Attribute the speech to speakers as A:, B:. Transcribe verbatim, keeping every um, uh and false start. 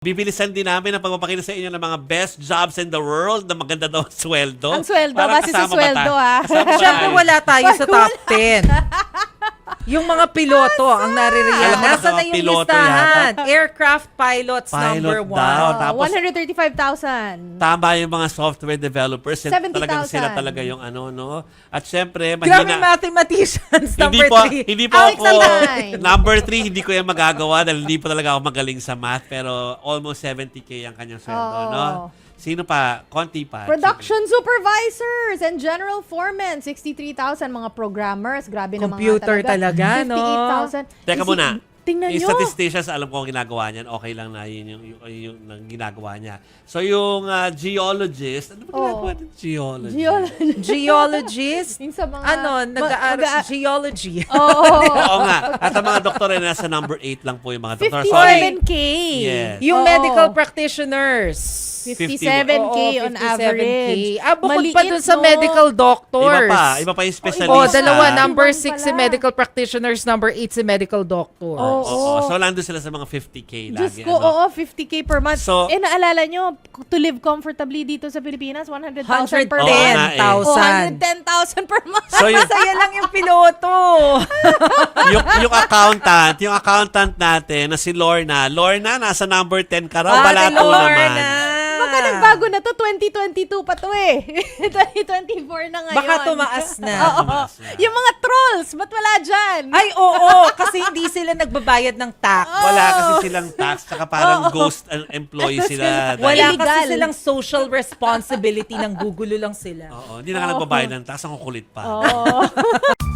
A: Bibilisan din namin ang pagpapakita sa inyo ng mga best jobs in the world na maganda daw ang sweldo.
B: Ang sweldo,
A: Parang
B: base sa
A: kasama ba
B: sweldo,
A: tayo?
B: ah.
A: Kasama ba
C: Siyempre
A: tayo?
C: wala tayo sa top ten. Yung mga piloto ang
A: Alam
C: naririyan.
A: mo,
C: Nasa na
A: nasa
C: yung
A: piloto
C: listahan? Aircraft pilots
A: Pilot
C: number
A: daw.
C: one.
B: Oh,
A: Tapos-
B: one hundred thirty-five thousand.
A: Tama yung mga software developers. Sila
B: seventy
A: talagang
B: thousand.
A: sila talaga yung ano, no? At syempre,
C: Grabe
A: mahina.
C: mathematicians
A: Hindi
C: number
A: po,
C: three.
A: hindi po
B: Alex
A: ako,
B: Alay.
A: number three, hindi ko yan magagawa dahil hindi po talaga ako magaling sa math. Pero almost seventy K ang kanyang sweldo,
B: Oo.
A: no? Sino pa? Konti pa.
B: Production supervisors and general foremen, sixty-three thousand. Mga programmers, grabe naman
C: Computer
B: nga
C: talaga, no?
B: fifty-eight thousand.
A: Teka
B: Isi-
A: muna.
B: Tingnan
A: Yung
B: nyo.
A: statisticians, alam ko ang ginagawa niyan. Okay lang na yun yung, yung, yung, yung ginagawa niya. So, yung uh, geologist, ano ba ginagawa
B: Oo.
A: ng geologist?
B: Geology.
C: Geologist?
B: Yung sa mga...
C: ano, nag-aaral
B: mag-
C: geology.
B: Oo.
A: Oo nga. At ang mga doktor ay nasa number eight lang po yung mga doktor. Sorry.
B: fifty-seven K.
A: Yes.
C: Yung
B: Oo.
C: medical practitioners.
B: fifty-seven K
C: Oo,
B: on
C: fifty-seven K.
B: average.
C: Ah, bukod
B: Maliit,
C: pa dun sa
B: no?
C: medical
A: Iba
C: doctors.
A: pa. Iba pa yung specialist.
C: Oh,
B: Iba
C: dalawa.
B: pa.
C: Number
B: Iba
C: six
B: pala.
C: si medical practitioners, number eight si medical doctor.
B: Oo.
A: Oo. So, nandun sila sa mga fifty K
B: Diyos
A: lagi.
B: ko,
A: ano?
B: oo, fifty K per month.
A: So-
B: eh, naalala nyo, to live comfortably dito sa Pilipinas, one hundred thousand per
A: Oo
B: month.
A: nga eh.
B: Oh, one
C: thousand.
B: hundred ten thousand per month.
A: So, yung,
C: Masaya lang yung piloto.
A: yung, yung accountant, yung accountant natin na si Lorna. Lorna, nasa number ten ka raw.
C: Ate
A: Balato
C: Lorna.
A: naman.
B: Baka nagbago na to, twenty twenty-two pa to eh. twenty twenty-four na ngayon.
C: Baka tumaas na.
B: Oo.
A: Tumaas na.
B: Yung mga trolls, ba't wala dyan?
C: Ay, oo. Kasi hindi sila nagbabayad ng tax.
A: Wala kasi silang tax, saka parang ghost uh, employee sila.
B: Wala
C: Wala
B: illegal.
C: kasi silang social responsibility ng gugulo lang sila.
A: Oo, hindi na nga nagbabayad ng tax, ang kukulit pa.
B: Oo.